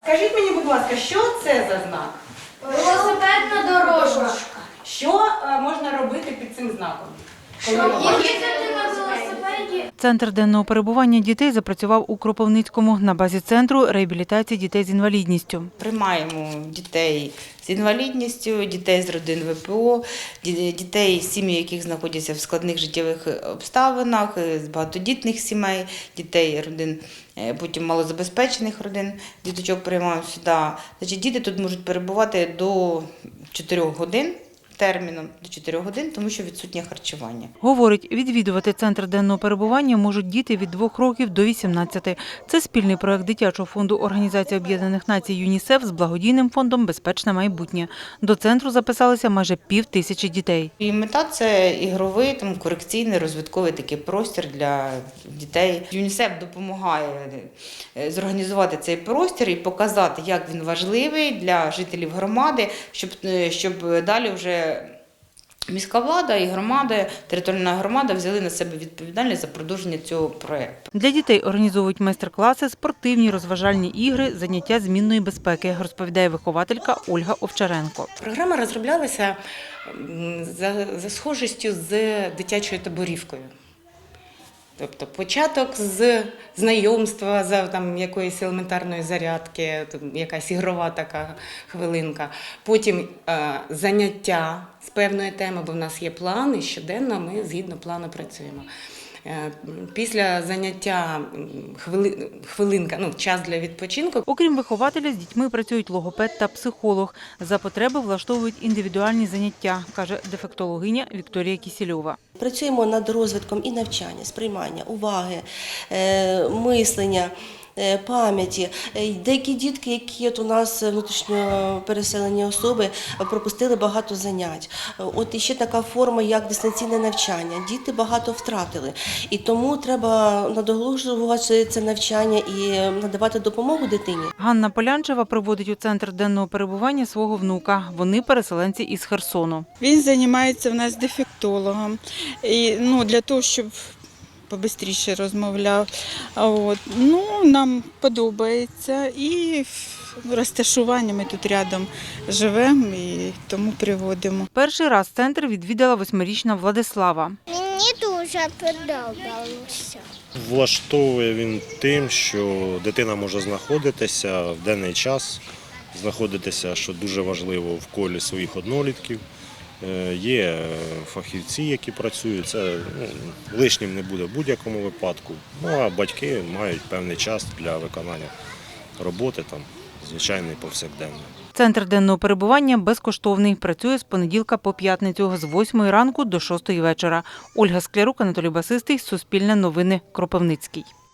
Скажіть мені, будь ласка, що це за знак? Велосипедна дорожка. Що можна робити під цим знаком? Їздити на велосипеді. Центр денного перебування дітей запрацював у Кропивницькому на базі центру реабілітації дітей з інвалідністю. Приймаємо дітей з інвалідністю, дітей з родин ВПО, дітей, сім'ї, яких знаходяться в складних життєвих обставинах, з багатодітних сімей, дітей родин, потім малозабезпечених родин, діточок приймаємо сюди. Значить, діти тут можуть перебувати до 4 годин. Терміном до 4 годин, тому що відсутнє харчування. Говорить, відвідувати центр денного перебування можуть діти від 2 років до 18. Це спільний проект дитячого фонду Організації Об'єднаних Націй ЮНІСЕФ з благодійним фондом «Безпечне майбутнє». До центру записалися майже 5000 дітей. І мета – це ігровий, корекційний, розвитковий такий простір для дітей. ЮНІСЕФ допомагає зорганізувати цей простір і показати, як він важливий для жителів громади, щоб далі вже міська влада і громада, територіальна громада взяли на себе відповідальність за продовження цього проєкту. Для дітей організовують майстер-класи, спортивні, розважальні ігри, заняття змінної безпеки, розповідає вихователька Ольга Овчаренко. Програма розроблялася за схожістю з дитячою таборівкою. Тобто початок з знайомства, за якоїсь елементарної зарядки, якась ігрова така хвилинка. Потім заняття з певної теми, бо в нас є план, і щоденно ми згідно плану працюємо. Після заняття хвилинка, час для відпочинку. Окрім вихователя, з дітьми працюють логопед та психолог. За потреби влаштовують індивідуальні заняття, каже дефектологиня Вікторія Кісільова. Працюємо над розвитком і навчання, сприймання, уваги, мислення, пам'яті. Деякі дітки, які у нас внутрішньо переселені особи, пропустили багато занять. От іще така форма, як дистанційне навчання. Діти багато втратили. І тому треба надолужувати це навчання і надавати допомогу дитині. Ганна Полянчева приводить у центр денного перебування свого внука. Вони переселенці із Херсону. Він займається в нас дефектологом. І, для того, щоб побистріше розмовляв. Нам подобається і розташування ми тут рядом живемо і тому приводимо. Перший раз центр відвідала 8-річна Владислава. Мені дуже подобалося. Влаштовує він тим, що дитина може знаходитися в денний час, знаходитися, що дуже важливо, в колі своїх однолітків. Є фахівці, які працюють, це лишнім не буде в будь-якому випадку. А батьки мають певний час для виконання роботи, звичайної повсякденної. Центр денного перебування безкоштовний. Працює з понеділка по п'ятницю з 8 ранку до 6 вечора. Ольга Склярук, Анатолій Басистий, Суспільне новини, Кропивницький.